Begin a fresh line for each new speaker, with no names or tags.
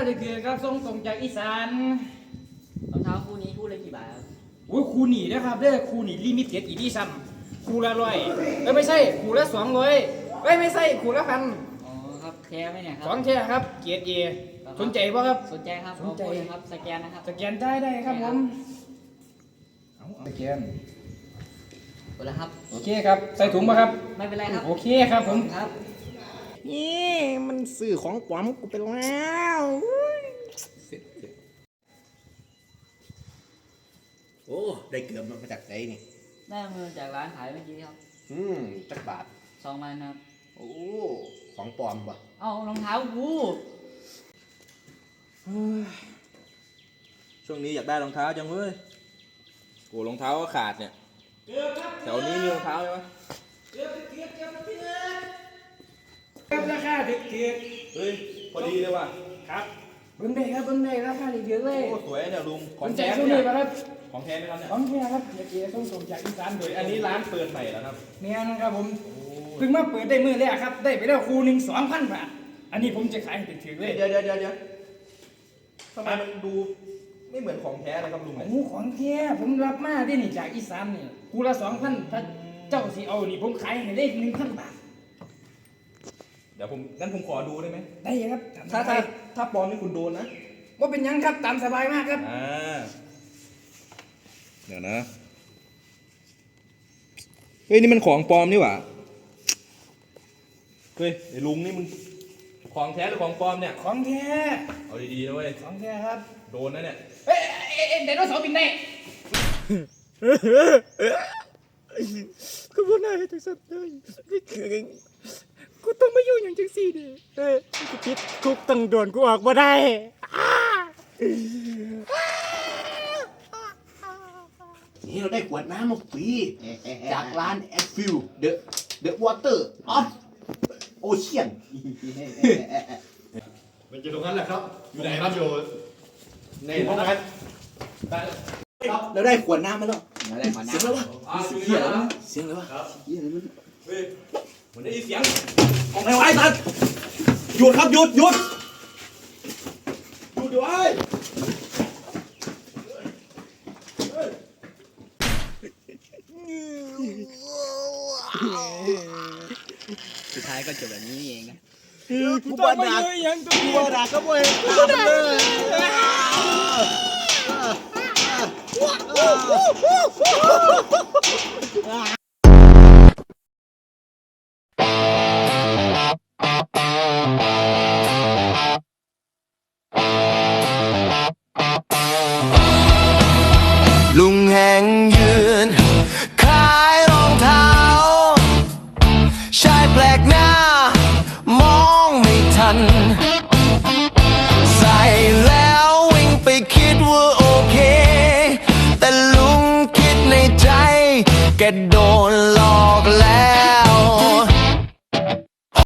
เด็กๆครับส่งตรงจากอีสาน
รองเท้าคู่นี้คู่ละกี่บาทครับ
โอ้ยครูหนีนะครับเด้อครูหนีลิมิเต็ดอีดิชั่นครูละ100ไม่ใช่ครูละ200ไม่ใช่ครูละ1,000
อ๋อครับแท้ไหมเนี่ยครับ
ของแท้ครับเกียรติเอสนใจป่ะครับ
สนใจครับ
สนใจ
ครับสแกนนะครับ
สแกนได้ครับผมเอาสแกน
หมดแล้วครับ
โอเคครับใส่ถุงป่ะครับ
ไม่เป็นไรครับ
โอเคครับผม
ครับ
นี่มันสื่อของปลอมกูไปแล้ว
โอ้ได้เกือบมาจากไหนนี่
ได้มือจากร้านขายเมื่อกี้ครับ
จักบาท
2 วันครับ
โอ้ของปลอมป่ะ
เอารองเท้ากู
ช่วงนี้อยากได้รองเท้าจังเว้ยโอ้รองเท้าก็ขาดเนี่ยแถวนี้มีรองเท้าไหม
ครับราคาถูก
เฮ้ยพอดีเลยว่ะ
ครับเบิ้งได้ครับเบิ้งได้ราคาเยอะเลย
โอ้สวยเนี่ยลุง
ของแท้ช่วงนี้ป่ะครับ
ของแท้ไหมครับเนี่ย
ของแท้ครับเกียรติส่งจากอีสานโดย
อันนี้ร้านเปิดใหม่แล้วครับ
เนี่ยนะครับผมเพิ่งมาเปิดได้มื้อแรกครับได้ไปแล้วครูหนึ่ง2,000 บาทอันนี้ผมจะขายให้ถึงเลย
เดี๋ยวทำไมมันดูไม่เหมือนของแท้เลยครับลุงเนี่ย
โอ้ของแท้ผมรับมาได้นี่จากอีสานนี่ครูละ2,000ถ้าเจ้าสิเอานี่ผมขายให้ได้1,000 บาท
เดี๋ยวงั้นผมขอดูได้ไหม
ได้ครับ
ถ้าปลอมนี่คุณโดนนะ
ว่าเป็นยังครับตามสบายมากครับ
เดี๋ยวนะเฮ้ยนี่มันของปลอมนี่หว่าเฮ้ยไอ้ลุงนี่มึงของแท้หรือของปลอมเนี่ย
ของแท้
เอาดีๆนะเว้ย
ของแท้ครับ
โดนนะเนี่ย
เฮ้ยไดโนเสาร์บินได้
กูบ่น่าให้จังซั่นเลยนี่คือกูต้องมาอยู่อย่างจังซี่ดิกูคิดคุกตั้งโดนกูออกบ่ได้
นี่เราได้ขวดน้ำมาฟรีจากร้านแอดฟิลเดอะวอเตอร์ออฟโอเชียนมันจะตรงนั้นแหละครับอยู่ไหนครับอยู่ในห้องนั้นเราได้ขวดน้ำมาแล้วเสียงแล้ววะเสียงแล้ววะเสียงแล้ววะเสียงอะไรมันเฮ้ยมันได้ยินเสียงของไหนวะไอ้ตันหยุดครับหยุดอยู่ไอ้
สุดท้ายก็จบแบบนี้เองนะ
กูบ่ด่ายังกูบ่ด่าก็บ่เห็นกูด่า
ลุงแห่งยืนขายรองเท้าชายแปลกหน้ามองไม่ทันใส่แล้ววิ่งไปคิดว่าโอเคแต่ลุงคิดในใจแกโดน